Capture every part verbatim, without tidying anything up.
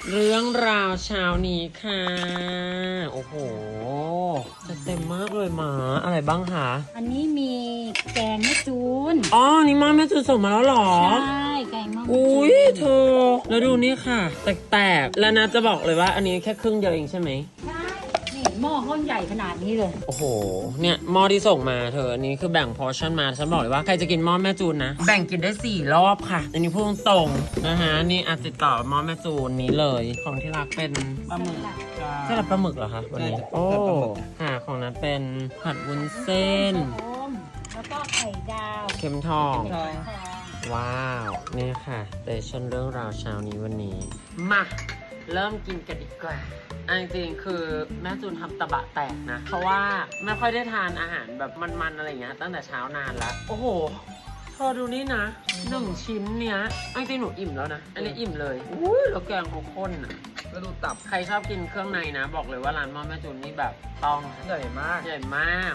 เรื่องราวเช้านี้ค่ะโอ้โหจะเต็มมากเลยหมาอะไรบ้างคะอันนี้มีแกงแม่จูนอ๋อนี่มาแม่จูนส่งมาแล้วเหรอใช่แกงมะม่วงอุ้ยเธอแล้วดูนี่ค่ะแตกๆแล้วนะจะบอกเลยว่าอันนี้แค่ครึ่งเดียวเองใช่ไหมใช่นี่หม้อข้าวใหญ่ขนาดนี้เลยโอ้โหเนี่ยหม้อที่ส่งมาเธออันนี้คือแบ่งพอร์ชั่นมาฉันบอกเลยว่าใครจะกินหม้อแม่จูนนะแบ่งกินได้สี่รอบค่ะอันนี้พูดตรงๆนะฮะนี่อาจติดต่อหม้อแม่จูนนี้เลยของที่รักเป็นปลาหมึกสลัดปลาหมึกเหรอคะวันนี้ใช่โอ้สลัดปลาหมึกค่ะของนั้นเป็นผัดวุ้นเส้นส้มแล้วก็ไข่ดาวเค็มทองไข่ทองว้าวนี่ค่ะเตชั่นเรื่องราวเช้านี้วันนี้มาเริ่มกินกันดีกว่าอันจริงๆคือแม่จูนทำตะบะแตกนะ เพราะว่าไม่ค่อยได้ทานอาหารแบบมันๆอะไรอย่างเงี้ยตั้งแต่เช้านานแล้ว โอ้โหเธอดูนี่นะหนึ่งชิ้นเนี้ยอันจริงๆหนูอิ่มแล้วนะ อันนี้อิ่มเลยอุ้ยแล้วแกงเขาข้นอ่ะก็ดูตับใครชอบกินเครื่องในนะ บอกเลยว่าร้านหม้อแม่จูนนี่แบบต้องใหญ่มากใหญ่มาก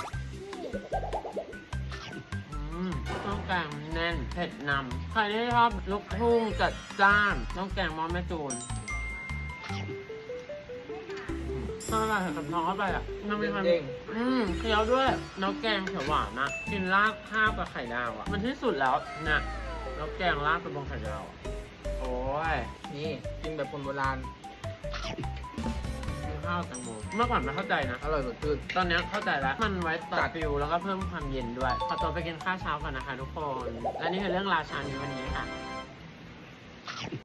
อืมต้องแกงแน่นเผ็ดนำใครที่ชอบลูกทุ่งจัดจ้านต้องแกงหม้อแม่จูนถ้าเราใส่กับท้องเข้าไปอ่ะมันมีความเด้งอืมเคี้ยวด้วยน้ำแกงเขียวหวานนะกินราดข้าวกับไข่ดาวอ่ะมันที่สุดแล้วนะน้ำแกงราดกับบนไข่ดาวอะโอ้ยนี่กินแบบคนโบราณกินข้าวแตงโมเมื่อก่อนไม่เข้าใจนะอร่อยสดชื่นตอนนี้เข้าใจแล้ว มันไว้ตัจัดดฟิวแล้วก็เพิ่มความเย็นด้วย ขอตัวไปกินข้าวเช้าก่อนนะคะทุกคน และนี่คือเรื่องราวเช้านี้วันนี้ค่ะ